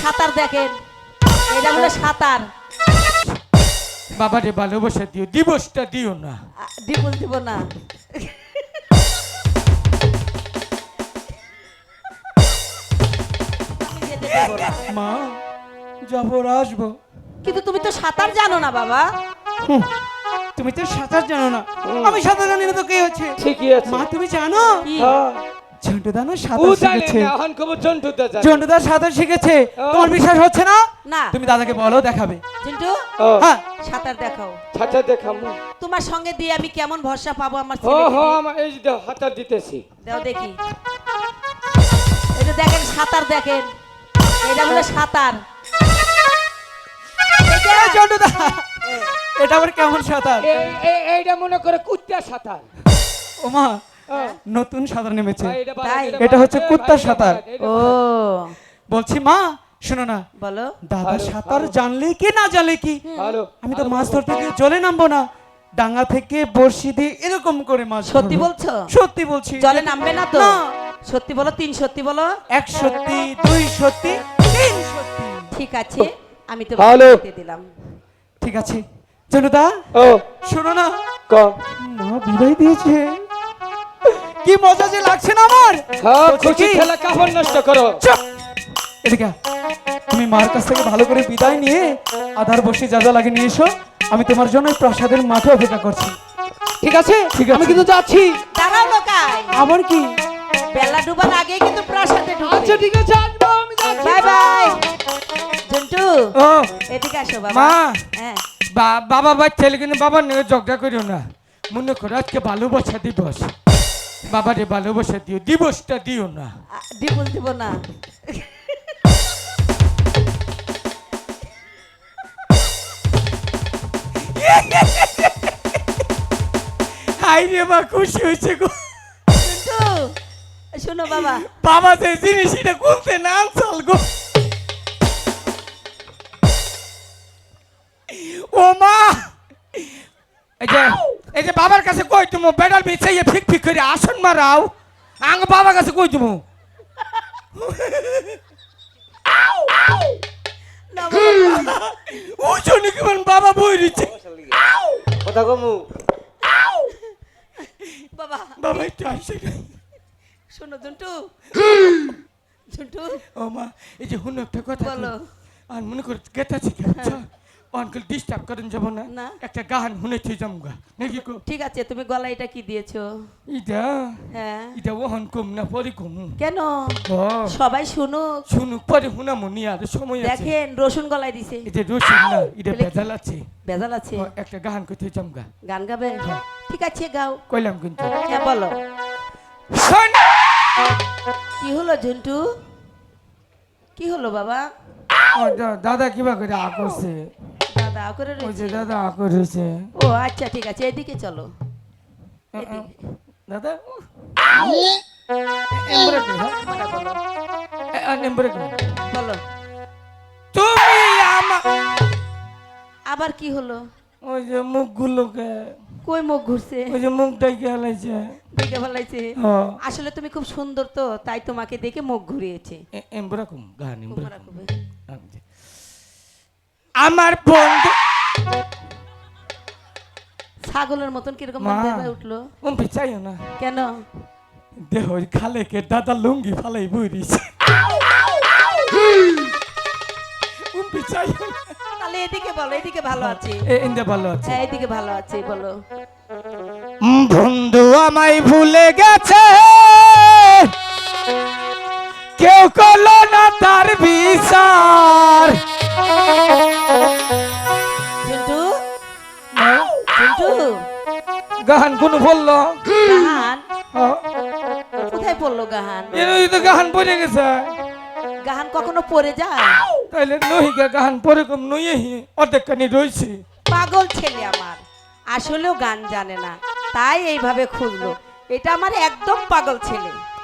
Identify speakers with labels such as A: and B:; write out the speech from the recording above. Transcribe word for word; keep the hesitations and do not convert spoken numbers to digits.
A: সাঁতার দেখেন, এটা বলে সাঁতার।
B: বাবারে ভালোবাসা দিও, দিবসটা দিও না।
A: ডিপোজ দিব না। আমি যেতে দেব না।
B: মা যাবো আসবো।
A: কিন্তু তুমি তো সাঁতার জানো না বাবা।
B: হুঁ, তুমি তো সাঁতার জানো না। আমি সাঁতার জানি না তো কে হচ্ছে?
C: ঠিকই আছে।
B: মা তুমি জানো
A: কি?
C: হ্যাঁ
B: ঝন্টুদা না
C: ও
B: সাঁতার
C: জানে
B: শিখেছে।
C: না, এখন খবর জন্টুদা জানে।
B: ঝন্টুদা সাঁতার শিখেছে, তোমার বিশ্বাস হচ্ছে না?
A: না।
B: তুমি দাদাকে বলো দেখাবে।
A: চিন্টু
C: ও
B: হ্যাঁ
A: সাঁতার দেখাও।
C: ছাতা দেখামু।
A: তোমার সঙ্গে দিয়ে আমি কেমন ভরসা পাবো আমার
C: ও
A: ছেলেকে
C: হো
A: দিয়ে?
C: আমার এই যে দাও, হাতা দিতেছি।
A: দাও দেখি। এই যে দেখেন সাঁতার দেখেন, এটা বলে সাঁতার। এটা
B: এই ঝন্টুদা, এটা আবার কেমন সাঁতার?
C: এই এই- এইটা মনে করে কুত্তা সাঁতার।
B: ও মা
C: ও,
B: নতুন সাঁতার নেমেছে।
C: ভাই, এটা বাদ,
A: তাই?
B: এটা
C: বাদ,
B: হচ্ছে
C: এ,
B: কুত্তার
C: ভাই, এটা
B: সাঁতার।
C: বাদ, এটা
A: ও
C: বাদ।
B: বলছি মা শোনো না,
A: বলো।
B: দাদা
C: ভালো,
B: সাঁতার
C: ভালো।
B: জানলে কি না জানলে কি,
C: ভালো
B: আমি তো মাছ ধরতে গিয়ে জলে নামবো না, ডাঙ্গা থেকে বড়শি দিয়ে এরকম করে মাছ
A: সত্যি
B: ধরবো।
A: বলছো?
B: সত্যি বলছি।
A: জলে নামবে না তো?
B: না।
A: সত্যি বলো, তিন সত্যি বলো।
B: এক সত্যি, দুই সত্যি, তিন সত্যি।
A: ঠিক আছে, আমি তো
C: ভালো।
A: দিলাম।
B: ঠিক আছে জনুদা
C: ও
B: শোনো না,
C: ক
B: মা বিদায় দিয়েছে, কি মজা যে লাগছে না আমার।
C: সব
B: বলছি
C: খুশি
B: কি?
C: খেলা কাপড় নষ্ট করো।
B: চুপ! এদিকে আয়। তুমি মার কাছ থেকে ভালো করে বিদায় নিয়ে আধার বসে যা যা লাগে নিয়ে এসো, আমি তোমার জন্য এই প্রাসাদের মাঠে অপেক্ষা করছি।
C: ঠিক আছে
B: ঠিক আছে।
C: আমি কিন্তু যাচ্ছি।
A: দাঁড়াও লোকাই,
B: আবার কি?
A: বেলা ডুবার আগে কিন্তু প্রাসাদে
C: আচ্ছা
A: ঢুকবে।
C: ঠিক আছে আসবো, আমি যাচ্ছি।
A: Bye bye. জন্টু
B: ও
A: এদিকে আসো বাবা।
B: মা,
A: হ্যাঁ
B: বা- বাবা বা ছেলে কিন্তু বাবার নিয়ে ঝগড়া করিও না, মনে করো আজকে ভালোবাসা দিবস, বাবারে ভালোবাসা দিও, দিবসটা দিও না।
A: ডিপোজ দিব না।
B: হাই রে মা, খুশি হয়েছে গো।
A: জন্টু শোনো বাবা।
B: বাবা যে জিনিস এটা খুলতে না আনসাল গো। ও মা, এই যে এই যে বাবার কাছে কই তুমি বেডাল বিছাইয়ে ফিক ফিক করে আসন মারাও, আং বাবার কাছে কই তুমি।
A: না বাবা,
B: ও জনি কেমন বাবা বই দিচ্ছে।
C: কথা কমু।
A: বাবা
B: বাবা একটু আসে।
A: শোনো জন্টু। জন্টু
B: ও মা, এই যে হুন একটা কথা
A: বলো।
B: কই। আর মনে করে গেতাছি অনকল ডিস্টার্ব করেন যাব না,
A: না।
B: একটা গান শুনেছি জমগা নাকি কো।
A: ঠিক আছে, তুমি গলায় এটা কি দিয়েছো?
B: ইটা
A: হ্যাঁ
B: ইটা ওহন কম না পরে কম।
A: কেন?
B: ও
A: সবাই শুনুক।
B: শুনুক পরে হুনামো নি আর সময় আছে।
A: দেখেন রসুন গলায় দিছে।
B: এটা রসিন না, এটা
A: তাহলে কি?
B: বেজাল আছে।
A: বেজাল আছে।
B: ও, একটা গান করতে জমগা
A: গান গাবে? ঠিক আছে গাও।
B: কইলাম কিন্তু।
A: হ্যাঁ বলো।
B: শোন,
A: কি হলো ঝন্টু? কি হলো বাবা?
B: ও দা- দাদা কিবা করে আ করছে,
A: দাদা করে
B: ওই যে
A: রয়েছে।
B: দাদা আ করেছে।
A: ও আচ্ছা ঠিক আছে, এদিকে চলো। এদিকে।
B: দাদা এমবরে কই হ্যাঁ
A: তোমরা বলো।
B: এমবরে কই
A: বলো
B: তুমি আমা
A: আবার কি হলো?
B: ওই যে মুখগুলোকে,
A: কই মুখ ঘুরছে?
B: ওই যে মুখটাই গেলাইছে।
A: দেখে ভালাইছে।
B: হ্যাঁ
A: আসলে তুমি খুব সুন্দর তো, তাই তোমাকে দেখে মুখ ঘুরিয়েছে।
B: এমবরে কম গান এমবরে
A: তোমরা কবে?
B: আমার বন্ধু
A: ছাগলের মতন কিরকম
B: মা।
A: দেবায় উঠলো?
B: উম চাইও না,
A: কেন?
B: দেহ ওই খালে কে দাদা লুঙ্গি ফালাই বইরিছে। উম চাইও না,
A: তাহলে এদিকে বলো, এদিকে ভালো আছে।
B: এ ইন্দে ভালো আছে।
A: হ্যাঁ এদিকে ভালো আছে, বলো।
B: উম, বন্ধু আমায় ভুলে গেছে, কেউ করলো না তার বিচার।
A: ঝন্টু ঝন্টু
B: গান কোন বললো?
A: গাহান
B: হ্যাঁ,
A: কোথায় পড়লো গাহান?
B: এই তো গান পড়ে গেছে।
A: গাহান কখনো পড়ে যায়?
B: তাইলে নহিকা গান পরে কম নইহি অর্ধেক কানি রইছে।
A: পাগল ছেলে আমার, আসলেও গান জানে না, তাই এইভাবে খুঁজলো। এটা আমার একদম পাগল ছেলে।